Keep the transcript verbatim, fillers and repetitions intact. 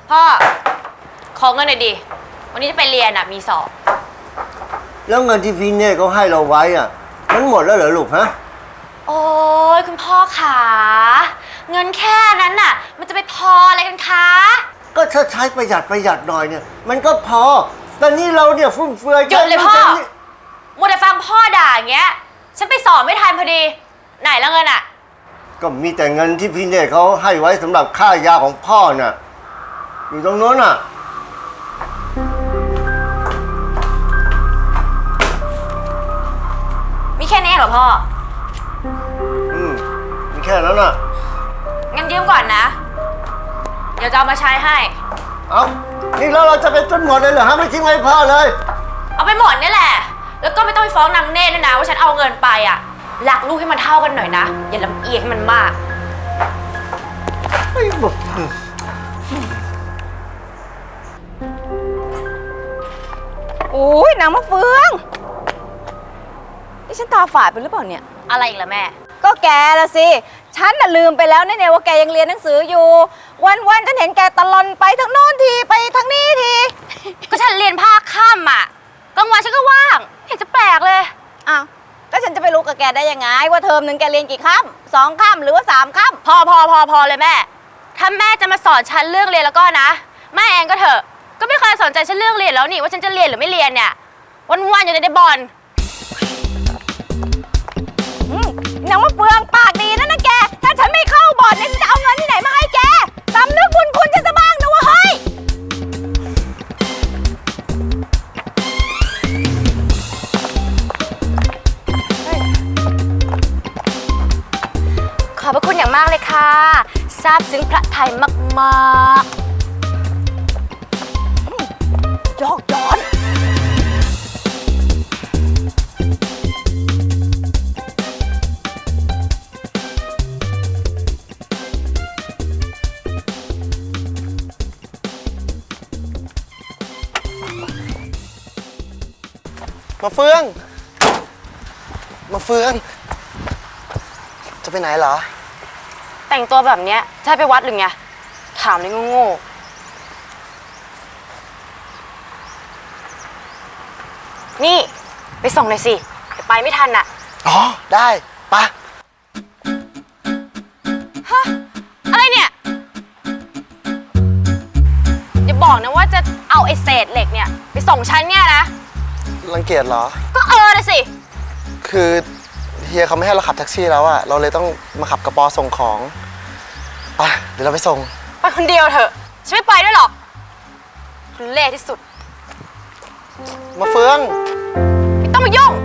พ่อขอเงินหน่อยดิวันนี้จะไปเรียนอ่ะมีสอบแล้วเงินที่พี่เน่เขาให้เราไว้อ่ะมันหมดแล้วเหรอลูกฮะโอ้ยคุณพ่อขาเงินแค่นั้นน่ะมันจะไปพออะไรกันคะก็ถ้าใช้ประหยัดประหยัดหน่อยเนี่ยมันก็พอแต่นี่เราเนี่ยฟุ่มเฟือยหยุดเลยพ่อมัวแต่ฟังพ่อด่าอย่างเงี้ยฉันไปสอบไม่ทันพอดีไหนแล้วเงินอ่ะก็มีแต่เงินที่พี่เน่เขาให้ไว้สำหรับค่ายาของพ่อน่ะอยู่ตรงโน้นน่ะมีแค่นี้เหรอพ่ออืมมีแค่นั้นน่ะงั้นยืมก่อนนะเดี๋ยวจะเอามาใช้ให้เอานี่แล้วเราจะไปจนหมดเลยเหรอฮะไม่ทิ้งไว้พ่อเลยเอาไปหมดนี่แหละแล้วก็ไม่ต้องไปฟ้องนางเน่ด้วยนะว่าฉันเอาเงินไปอ่ะหลักลูกให้มันเท่ากันหน่อยนะอย่าลำเอียงให้มันมากไม่บอกโอ้ยนางมะเฟืองนี่ฉันตาฝาดไปหรือเปล่าเนี่ยอะไรอีกล่ะแม่ก็แกละสิฉันน่ะลืมไปแล้วเนี่ยว่าแกยังเรียนหนังสืออยู่วันๆฉันเห็นแกตะลอนไปทางโน้นทีไปทางนี้ทีก็ฉันเรียนภาคค่ำอ่ะกลางวันฉันก็ว่างเห็นจะแปลกเลยอ้าวแล้วฉันจะไปรู้กับแกได้ยังไงว่าเทอมหนึ่งแกเรียนกี่ค่ำสองค่ำหรือว่าสามค่ำพอพอพอพอเลยแม่ถ้าแม่จะมาสอนฉันเรื่องเรียนแล้วก็นะแม่เองก็เถอะก็ไม่เคยสนใจฉันเรื่องเรียนแล้วนี่ว่าฉันจะเรียนหรือไม่เรียนเนี่ยวันๆอยู่ในบอลนางมะเฟืองปากดีนะนะแกถ้าฉันไม่เข้าบ่อนเนี่ยจะเอาเงินที่ไหนมาให้แกสำนึกบุญคุณฉันจะบ้างนะวะเฮ้ยขอบพระคุณอย่างมากเลยค่ะซาบซึ้งพระไทยมากๆยอกย้อนมาเฟืองมาเฟืองจะไปไหนเหรอแต่งตัวแบบเนี้ยจะให้ไปวัดหรือไงถามเลยโง่ๆนี่ไปส่งหน่อยสิเดี๋ยวไปไม่ทันอ่ะอ๋อได้ปะฮะอะไรเนี่ยอย่าบอกนะว่าจะเอาไอ้เศษเหล็กเนี่ยไปส่งฉันเนี่ยนะรังเกียจเหรอก็เออเลยสิคือเฮียเขาไม่ให้เราขับแท็กซี่แล้วอะเราเลยต้องมาขับกระป๋อส่งของไปเดี๋ยวเราไปส่งไปคนเดียวเถอะฉันไม่ไปด้วยหรอกคุณเล่ที่สุดมาเฟืองไม่ต้องมายุ่ง